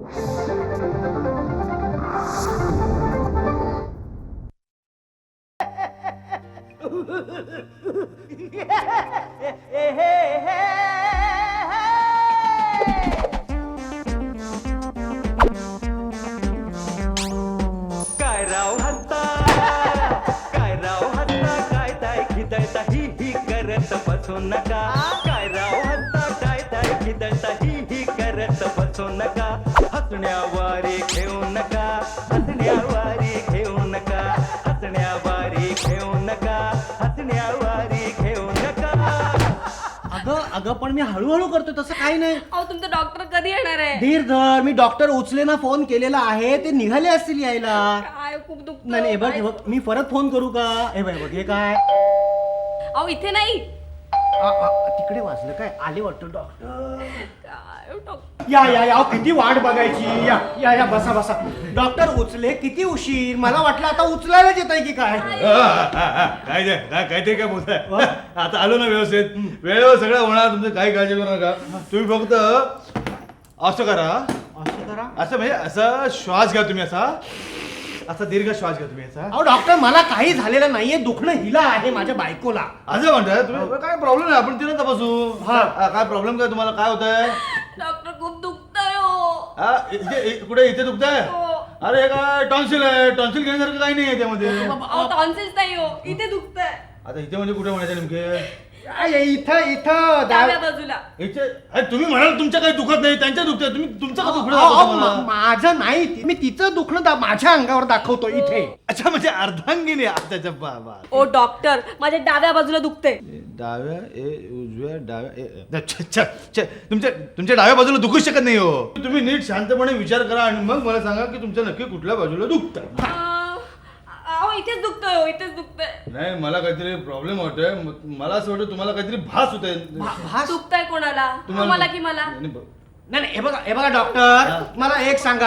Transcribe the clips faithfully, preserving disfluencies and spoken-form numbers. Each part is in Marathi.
काय राव हत्ता काय राव हत्ता काय ताय खिदळता ही ही करत बसू नका काय राव हत्ता काय ताय खिदळता ही ही करत बसू नका हसण्यावारे घेऊ नका हसण्यावारे घेऊ नका हसण्यावारे घेऊ नका हसण्यावारे घेऊ नका. अगं अगं पण मी हळूहळू करतोय तसं काही नाही. अहो तुमचं डॉक्टर कधी येणार आहे? धीर धर, मी डॉक्टर उचलेना फोन केलेला आहे, ते निघाले असतील यायला. काय खूप दुखत. नाही नाही, हे बघ हे बघ, मी परत फोन करू का? हे बघ हे काय अहो इथे नाही, आ, आ, तिकडे वाजलं काय? आले वाटतं डॉक्टर. काय डॉक्टर? या या या, किती वाट बघायची. या या या, बसा बसा. डॉक्टर उचले, किती उशीर. मला वाटलं आता उचलायलाच येत आहे की काय. काय ते काय काय ते काय बोलताय. आता आलो ना व्यवस्थित, वेळेवर सगळं होणार, तुमचं काही काळजी करू नका. तुम्ही फक्त असं करा, असं करा. असं म्हणजे असा श्वास घ्या तुम्ही, असा असा दीर्घ श्वास घ्या तुम्ही असा. अहो डॉक्टर, मला काही झालेलं नाहीये, दुखणं हिला आहे माझ्या बायकोला. असं म्हणताय तुम्ही? काय प्रॉब्लेम नाही, आपण तिला तपासू. हा. हा, काय प्रॉब्लेम काय तुम्हाला, काय होतंय? डॉक्टर खूप दुखतंय हो. हा, इथे इ- कुठे इथे दुखतंय? हो. अरे हे काय टॉन्सिल आहे, टॉन्सिल घेण्यासारखं काही नाही आहे त्यामध्ये. अहो टॉन्सिल्स नाही हो, इथे दुखतंय. आता इथे म्हणजे कुठे म्हणायचं नेमके? आ, ये, इथं इथं डाव्या दा- बाजूला. इथे अरे तुम्ही म्हणाल तुमच्या काही दुखत नाही, त्यांच्या दुखतंय, तुम्ही तुमचं का दुखणं अहो, दाखवता अहो, मला? मा- माझं नाही, ती- मी तिचं दुखणं दा- माझ्या अंगावर दाखवतो इथे. अच्छा, म्हणजे अर्धांगिनी आताच्या बाबा. ओ डॉक्टर, माझ्या डाव्या बाजूला दुखते. डाव्या ए उजव्या डाव्या ए ए, छ, छ, छ, तुमच्या तुमच्या डाव्या बाजूला दुखूच शकत नाही हो. तुम्ही नीट शांतपणे विचार करा आणि मग मला सांगा की तुमच्या नक्की कुठल्या बाजूला दुखतं. अहो इथेच दुखतोय हो, इथेच दुखतंय. नाही, मला काहीतरी प्रॉब्लेम होतोय. म- मला असं वाटतं तुम्हाला काहीतरी भास होतोय. भास- दुखतंय कोणाला? मला की मला? नाही, ब- नाही नाही, हे बघा हे बघा डॉक्टर, मला एक सांगा,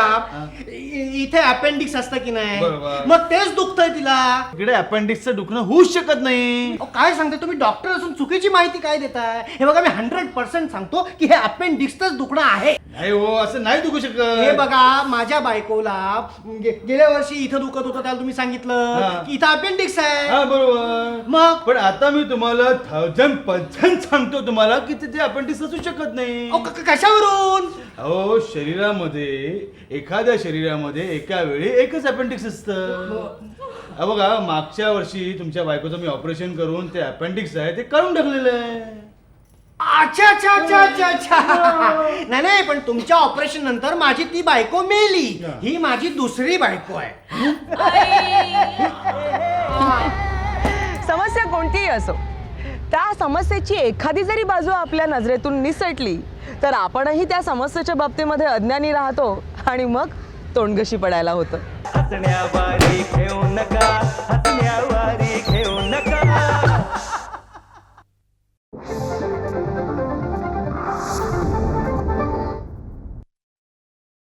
इ- इथे अपेंडिक्स असतं की नाही, बरोबर. मग तेच दुखतंय तिला. इकडे अपेंडिक्सचं दुखणं होऊच शकत नाही. अहो, काय सांगते तुम्ही, डॉक्टर असून चुकीची माहिती काय देताय? हे बघा, मी हंड्रेड पर्सेंट सांगतो की हे अपेंडिक्सच दुखणं आहे. नाही हो, असं नाही दुखू शकत. हे बघा, माझ्या बायकोला गे- गेल्या वर्षी इथं दुखत होतं, त्याला तुम्ही सांगितलं हा. की इथं अपेंडिक्स आहे. हा, बरोबर. मग पण आता मी तुम्हाला थाउजंड पर्सेंट सांगतो तुम्हाला की तिथे अपेंडिक्स असू शकत नाही. अहो, क- क- कशावरून? अहो, शरीरामध्ये एखाद्या शरीरामध्ये एका वेळी एकच अपेंडिक्स असतं. अहो बघा, मागच्या वर्षी तुमच्या बायकोचं मी ऑपरेशन करून ते अपेंडिक्स आहे ते काढून टाकलेलं आहे. अच्छा अच्छा अच्छा अच्छा अच्छा नाही नाही, पण तुमच्या ऑपरेशन नंतर माझी ती बायको मेली. ही माझी दुसरी बायको आहे. समस्या कोणतीही असो, त्या समस्येची एखादी जरी बाजू आपल्या नजरेतून निसटली तर आपणही त्या समस्येच्या बाबतीमध्ये अज्ञानी राहतो आणि मग तोंडगशी पडायला होतं. हसण्यावारे घेऊ नका हसण्यावारे घेऊ नका.